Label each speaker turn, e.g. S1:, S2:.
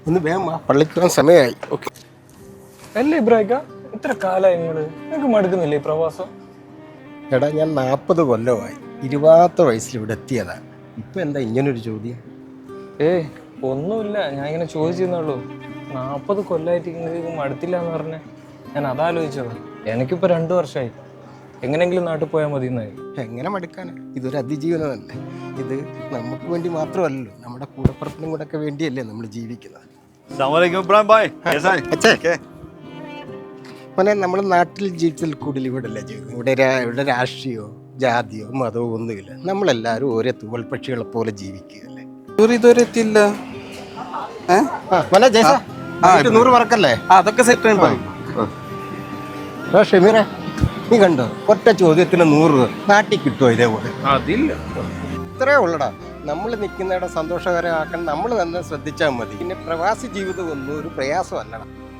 S1: ഒന്ന് വേഗം പള്ളിക്ക് പോകാൻ സമയമായി. ഓക്കെ
S2: അല്ലേ ഇബ്രാഹിക്ക, ഇത്ര കാലമായി നിങ്ങൾക്ക് മടുക്കുന്നില്ലേ ഈ പ്രവാസം?
S1: എടാ, ഞാൻ 40 കൊല്ലമായി. 20ാമത്തെ വയസ്സിൽ ഇവിടെ എത്തിയതാ. ഇപ്പം എന്താ ഇങ്ങനൊരു ചോദ്യം?
S2: ഒന്നുമില്ല, ഞാൻ ഇങ്ങനെ ചോദിച്ചെന്നുള്ളൂ. 40 കൊല്ലമായിട്ട് നിങ്ങൾക്ക് മടുത്തില്ല എന്ന് പറഞ്ഞേ. ഞാൻ അതാലോചിച്ചത്. എനിക്കിപ്പോൾ 2 വർഷമായി. എങ്ങനെയെങ്കിലും നാട്ടിൽ പോയാൽ മതി എന്നായി.
S1: എങ്ങനെ മടുക്കാനാ? ഇതൊരു അതിജീവനമല്ലേ. ഇത് നമുക്ക് വേണ്ടി മാത്രമല്ലല്ലോ, നമ്മുടെ കൂടപ്പുറത്തിനും കൂടെ ഒക്കെ വേണ്ടിയല്ലേ നമ്മൾ ജീവിക്കുന്നത്. മോനെ, നമ്മൾ നാട്ടിൽ ജീവിച്ചതിൽ കൂടുതൽ ഇവിടെ അല്ലേ ജീവിക്കുന്നത്. ഇവിടെ രാഷ്ട്രീയമോ ജാതിയോ മതമോ ഒന്നുമില്ല. നമ്മളെല്ലാവരും ഓരോ തൂവൽ പക്ഷികളെ പോലെ ജീവിക്കുകയല്ലേ.
S3: ഇതുവരെ എത്തിയില്ല.
S1: മോനെ ജയ്സ, 100 മറക്കല്ലേ?
S3: അതൊക്കെ സെറ്റ്.
S1: ഷമീറെ, നീ കണ്ടോ, ഒറ്റ ചോദ്യത്തിന് 100 നാട്ടിൽ കിട്ടുമോ ഇതേപോലെ?
S2: അതില്ല,
S1: ഇത്രേ ഉള്ളടാ. നമ്മൾ നിൽക്കുന്നിടം സന്തോഷകരമാക്കാൻ നമ്മൾ തന്നെ ശ്രദ്ധിച്ചാൽ മതി. പിന്നെ പ്രവാസി ജീവിതം ഒന്നും ഒരു പ്രയാസമല്ലടാ.